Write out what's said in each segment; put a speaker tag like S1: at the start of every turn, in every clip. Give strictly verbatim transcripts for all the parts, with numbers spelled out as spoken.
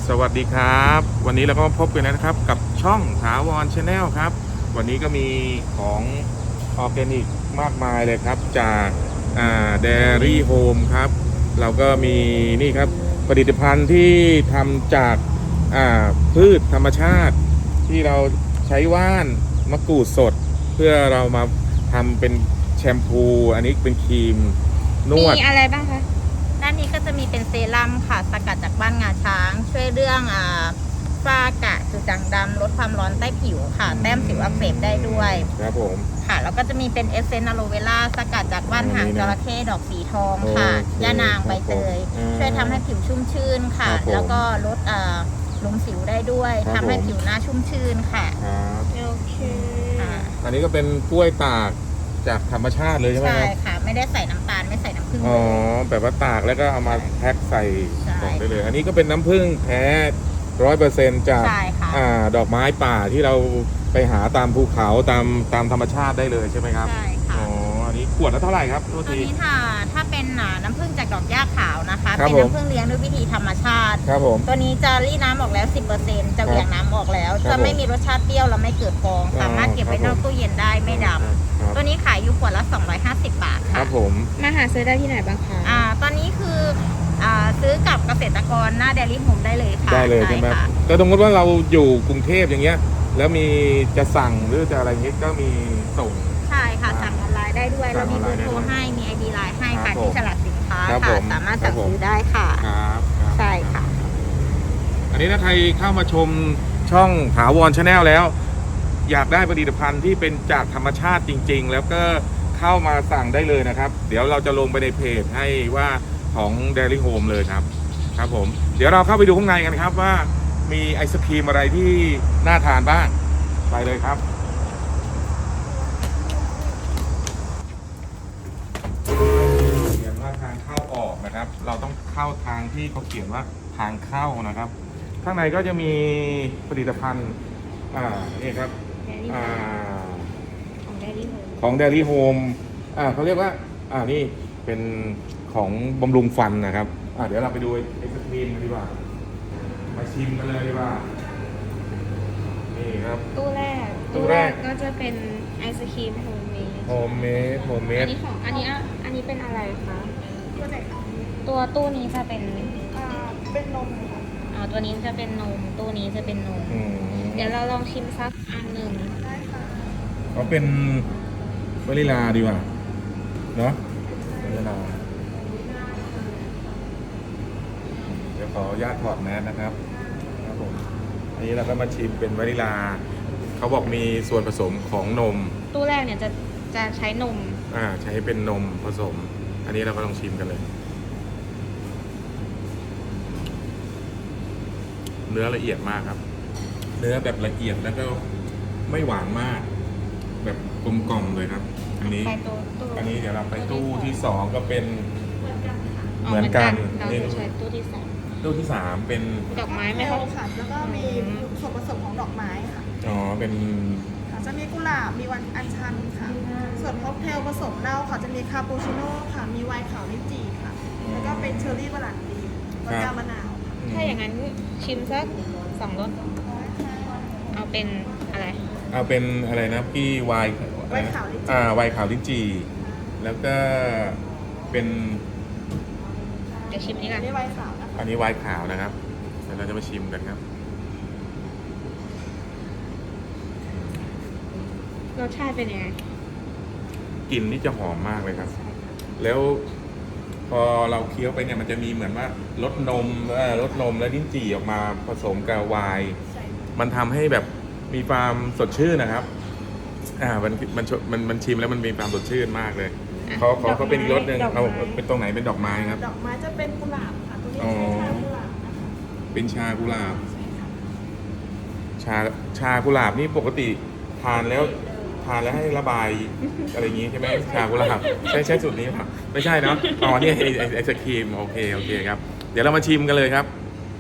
S1: สวัสดีครับวันนี้เราก็มาพบกันนะครับกับช่องถาวรชาแนลครับวันนี้ก็มีของออร์แกนิกมากมายเลยครับจากอ่าเดรี่โฮมครับเราก็มีนี่ครับผลิตภัณฑ์ที่ทำจากอ่าพืชธรรมชาติที่เราใช้ว่านมะกรูดสดเพื่อเรามาทำเป็นแชมพูอันนี้เป็นครีมนวด
S2: มีอะไรบ้างคะด้านนี้ก็จะมีเป็นเซรั่มค่ะสกัดจากบ้านงาช้างช่วยเรื่องอ่าฝ้ากระจุดด่างดำลดความร้อนใต้ผิวค่ะแต้มสิวอักเสบได้ด้วย
S1: ครับผม
S2: ค่ะแล้วก็จะมีเป็นเอสเซนต์อะโลเวล่าสกัดจากว่านหางจระเข้ดอกสีทองค่ะย่านางใบเตยช่วยทำให้ผิวชุ่มชื่นค่ะแล้วก็ลดอ่าลงสิวได้ด้วยทำให้ผิวหน้าชุ่มชื่นค่ะ
S1: ครับ
S2: โอเค
S1: อันนี้ก็เป็นกล้วยตากจากธรรมชาติเลยใช่ไหมครับ
S2: ใช่ค่ะไม่ได้ใส่น้ำตาลไม่ใส่น้ำผึ้ง
S1: อ๋อแบบว่าตากแล้วก็เอามาแพ็คใส่กล่องได้เลยอันนี้ก็เป็นน้ำผึ้งแท้ร้อยเปอร์เซ็นต์จากอ่าดอกไม้ป่าที่เราไปหาตามภูเขาตามตามธรรมชาติได้เลยใช่ไหมครับ
S2: ใช่ค่ะ
S1: อ๋ออันนี้ขวดละเท่าไหร่ครับ
S2: ตัวนี้ถ้าถ้าเป็นน้ำผึ้งจากดอกหญ้าขาวนะคะ
S1: เป็น
S2: น้ำผึ้งเลี้ยงด้วยวิธีธรรมชาติ
S1: ครับผม
S2: ตัวนี้จะรีดน้ำออกแล้ว สิบเปอร์เซ็นต์ จะเหวี่ยงน้ำออกแล้วจะไม่มีรสชาติเปรี้ยวและไม่เกิดฟองสามารถเก็บไว้นอกตู้เย็นได้ไม่ดำตัวนี้ขายอยู่ขวดละสองร้อยห้าสิบบาทค่ะ
S1: ครับผม
S2: มาหาซื้อได้ที่ไหนบ้างคะอ่าตอนนี้คืออ่าซื้อกับเกษตรกรหน้าเดลี่โฮมได้เลยค่ะ
S1: ได้เลยใช่ไหมแต่สมมติว่าเราอยู่กรุงเทพอย่างเงี้ยแล้วมีจะสั่งหรือจะอะไรเงี้ยก็มีส่ง
S2: ใช่ค่ะสั่งออนไลน์ได้ด้วยเรามีเบอร์โทรให้มีไอดีไลน์ให้ค่ะที่ฉลากสินค้าค่ะสามารถสั่งซื้อได้ค่ะ
S1: ครับ
S2: ใช่ค่ะ
S1: อันนี้ถ้าใครเข้ามาชมช่องถาวรชาแนลแล้วอยากได้ผลิตภัณฑ์ที่เป็นจากธรรมชาติจริงๆแล้วก็เข้ามาสั่งได้เลยนะครับเดี๋ยวเราจะลงไปในเพจให้ว่าของ Dairy Home เลยครับครับผมเดี๋ยวเราเข้าไปดูข้างในกันครับว่ามีไอศครีมอะไรที่น่าทานบ้างไปเลยครับเขียนว่าทางเข้าออกนะครับเราต้องเข้าทางที่เขาเขียนว่าทางเข้านะครับข้างในก็จะมีผลิตภัณฑ์อ่านี่ครับอ่าของ Dairy Home อ่าเขาเรียกว่าอ่านี่เป็นของบำรุงฟันนะครับอ่าเดี๋ยวเราไปดูไอศครีมกันดีกว่ามาชิมกันเลยดีกว่านี่ครับ
S2: ตู้แรก
S1: ตู้แรก
S2: ก็จะเป็นไอศครีมโฮมเมด
S1: โฮมเมดโฮมเมด
S2: อันนี้ของอันนี้อันนี้เป็นอะไรคะตัวไหนคะตัวตู้นี้จะเป็นอ่าเป็นนมค่ะอ๋อตัวนี้จะเป็นนมตู้นี้จะเป็นนมเดี๋ยวเราลองชิมสักอันหนึ่งได้ค่ะ
S1: เขาเป็นวานิลาดีกว่าเนาะวานิลาเดี๋ยวขออนุญาตถอดแมสนะครับครับผมอันนี้เราก็มาชิมเป็นวานิลาเขาบอกมีส่วนผสมของนม
S2: ตู้แรกเนี่ยจะจะใช้นม
S1: อ่าใช้เป็นนมผสมอันนี้เราก็ลองชิมกันเลยเนื้อละเอียดมากครับเนื้อแบบละเอียดแล้วก็ไม่หวานมากแบบกลมกล่อมเลยครับอันนี้อันนี้เดี๋ยวเราไปตู้ที่สองก็เป็นเหมือนกัน
S2: นี่ใช้ตู้ที่สาม
S1: ตู้ที่สามเป็น
S2: ดอกไม้ไหมคะ
S3: ค่ะแล้วก็มีส่วนผสมของดอกไม้ค่ะ
S1: อ๋อเป็น
S3: จะมีกุหลาบมีวันอัญชันค่ะส่วนค็อกเทลผสมเหล้าค่ะจะมีคาปูชิโน่ค่ะมีไวน์ขาวลิ้นจี่ค่ะแล้วก็เป็นเชอร์รี่บรันดีวอดก้ามะนาว
S2: ถ้าอย่างนั้นชิมสักสองรสเอาเป็นอะไร
S1: เอาเป็นอะไรนะพี่ไวน์
S3: ไวน์ขาวลิ้นจี่
S1: อ่าไวน์ขาวลิ้นจี่แล้วก็เป็น
S2: เดี๋ยวชิมนี้กัน
S3: อันนี้ไวน์ขาวนะคะ
S1: อันนี้ไวน์ขาวนะครับเดี๋ยวเราจะมาชิมกันครับ
S2: รสชาติเป็นยังไง
S1: กลิ่นนี่จะหอมมากเลยครับแล้วพอเราเคี้ยวไปเนี่ยมันจะมีเหมือนว่ารสนมรสนมและลิ้นจี่ออกมาผสมกับไวน์มันทำให้แบบมีความสดชื่นนะครับอ่ามันมันมันมันชิมแล้วมันมีความสดชื่นมากเลยเขาเขาเขาเป็นอีกรสหนึ่งเอาเป็นตรงไหนเป็นดอกไม้ครับ
S3: ดอกไม้จะเป็นกุหลาบค่ะตัวนี้ใช้ชากุหลาบนะคะ
S1: เป็นชากุหลาบชาชากุหลาบนี่ปกติทานแล้วทานแล้วให้ระบายอะไรอย่างงี้ใช่ไหมชากุหลาบใช่ใช่สูตรนี้ป่ะไม่ใช่เนาะอ๋อนี่ไอไอศครีมโอเคโอเคครับเดี๋ยวเรามาชิมกันเลยครับ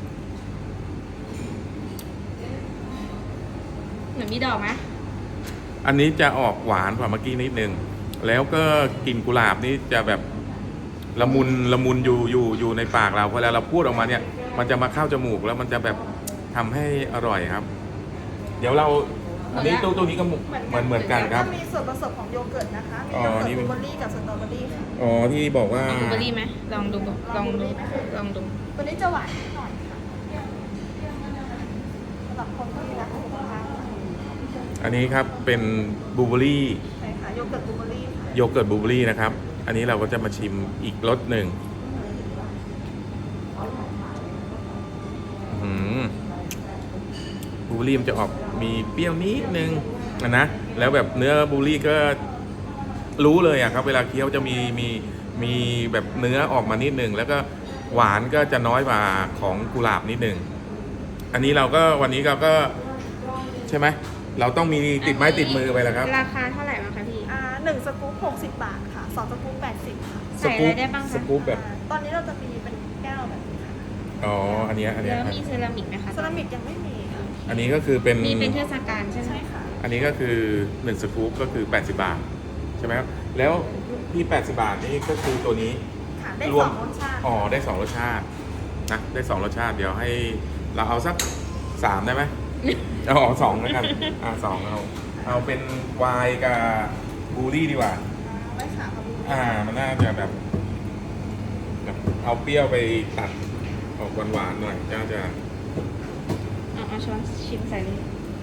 S2: เหมือนมีดอกไหม
S1: อันนี้จะออกหวานกว่าเมื่อกี้นิดนึงแล้วก็กลิ่นกุหลาบนี่จะแบบละมุนละมุนอยู่อยู่อยู่ในปากเราพอแล้วเราพูดออกมาเนี่ยมันจะมาเข้าจมูกแล้วมันจะแบบทำให้อร่อยครับ เดี๋ยวเราอันนี้ตู้ตู้นี้ก็เหมือนเหมือนกันครับ
S3: แล้วก็มีส่วนผสมของโยเกิร์ตนะคะ มี
S1: อ๋อ
S3: โยเกิร์ต
S1: นี่
S3: บ
S1: เป็น
S3: ลูเบอร์รี่กับสตรอเบอร์รี่ค่ะ
S1: อ๋อที่บอกว่า
S2: ลองดูเบอร์รี่ไหมลองดูลองดูลองดู
S3: ตัวนี้จะหวานนิดหน่อยค่ะสำหรับคนที่รักสุขภาพค่ะ
S1: อันนี้ครับเป็นบลูเบอร์รี่
S3: ใช่ค่ะโยเกิร์ตบลูเบอร์รี่ค่ะ
S1: โยเกิร์ตบลูเบอร์รี่นะครับ อันนี้เราก็จะมาชิมอีกรสหนึ่งอื้อหือบลูเบอร์รี่มันจะออกมีเปรี้ยวนิดนึงนะนะแล้วแบบเนื้อบลูเบอร์รี่ก็รู้เลยอะครับเวลาเคี้ยวจะมีมีมีแบบเนื้อออกมานิดนึงแล้วก็หวานก็จะน้อยกว่าของกุหลาบนิดนึงอันนี้เราก็วันนี้เราก็ใช่ไหมเราต้องมีติดไม้ติดมือไปแล้วครับ
S2: ราคาเท่าไหร่บ้างคะพี่
S3: อ่าหนึ่งสกู๊ปหกสิบบาทค่ะสองสกู๊ปแปดสิบค่ะ
S2: ใส่อะไรได้บ้างคะ
S1: สกู๊ปแบบ
S3: อ่าตอนนี้เราจะมีเป็นแก้วแบบนี้ค่ะ
S1: อ๋ออันเนี้ยอันเนี้ย
S2: แล้ว
S1: ครับ
S2: มีเซรามิกไหมคะ
S3: เซรามิกยังไม่มีค่ะ
S1: อันนี้ก็คือเป็น
S2: มีเป็นเทศกาลใช่ไหม
S3: ใช่ค่ะ
S1: อันนี้ก็คือหนึ่งสกู๊ปก็คือแปดสิบบาทใช่ไหมครับแล้วที่แปดสิบบาทนี่ก็คือตัวนี้
S3: ค่ะ ได้
S1: รว
S3: ส
S1: ม
S3: องรสชาติ
S1: อ๋อได้สองรสชาตินะได้สองรสชาติเดี๋ยวให้เราเอาสักสามได้ไหม เอาเอาสองแล้วกันอ่าสองเอาเอาเป็นไวน์กับบลูรี่ดีกว่า
S3: ไม่ค่ะขอบคุณ
S1: อ่ามันน่าจะแบบแบบเอาเปรี้ยวไปตัดออกหวานๆหน่อยน่าจะ
S2: เอาเอาช้อนชิมใส่เลย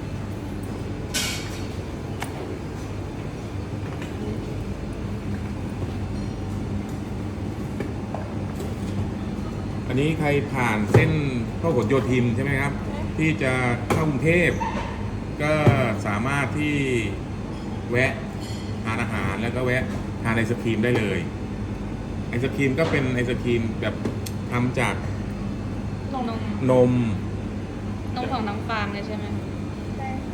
S1: อันนี้ใครผ่านเส้นพหลโยธินใช่ไหมครับ ที่จะเข้ากรุงเทพก็สามารถที่แวะทานอาหารแล้วก็แวะทานไอศครีมได้เลยไอศครีมก็เป็นไอศครีมแบบทำจาก
S2: นม
S1: นม
S2: นมของน้องฟาร์มเลยใช่ไหม
S3: ได้ค่ะ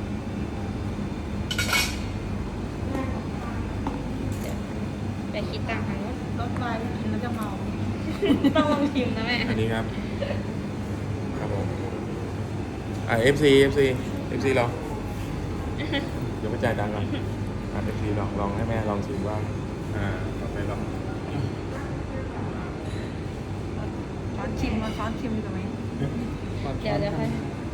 S2: ไปคิดตังค์ทางนู้น
S3: รสไวน์กินแล้วจะเมา
S2: ต้องลองชิมนะแม่
S1: อันนี้ครับครับผมอ่า เอฟ ซี เอฟ ซี เอฟ ซี ลองเดี๋ยวไปจ่ายตังค์ก่อนอ่า เอฟ ซี ลองลองให้แม่ลองชิมว่าอ่าต่อไปลอง
S3: ช้อนชิมมาช้อนชิมกันไหม
S2: เดี๋ยวเดี๋ยวค่อย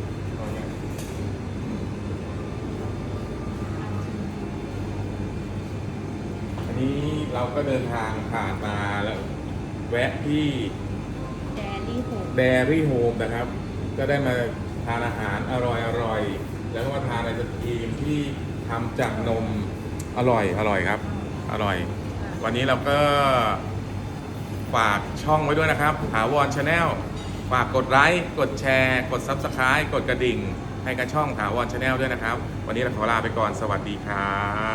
S1: อันนี้เราก็เดินทางผ่านมาแล้วแวะที่
S2: แดรี่โห
S1: เดรี่โฮมนะครับ ก็ได้มาทานอาหารอร่อยอร่อยแล้วก็มาทานไอศครีมที่ทำจากนมอร่อยอร่อยครับ อร่อย วันนี้เราก็ฝากช่องไว้ด้วยนะครับถาวรชาแนลฝากกดไลค์กดแชร์กด ซับสไครบ์ กดกระดิ่งให้กับช่องถาวรชาแนลด้วยนะครับ วันนี้เราขอลาไปก่อนสวัสดีครับ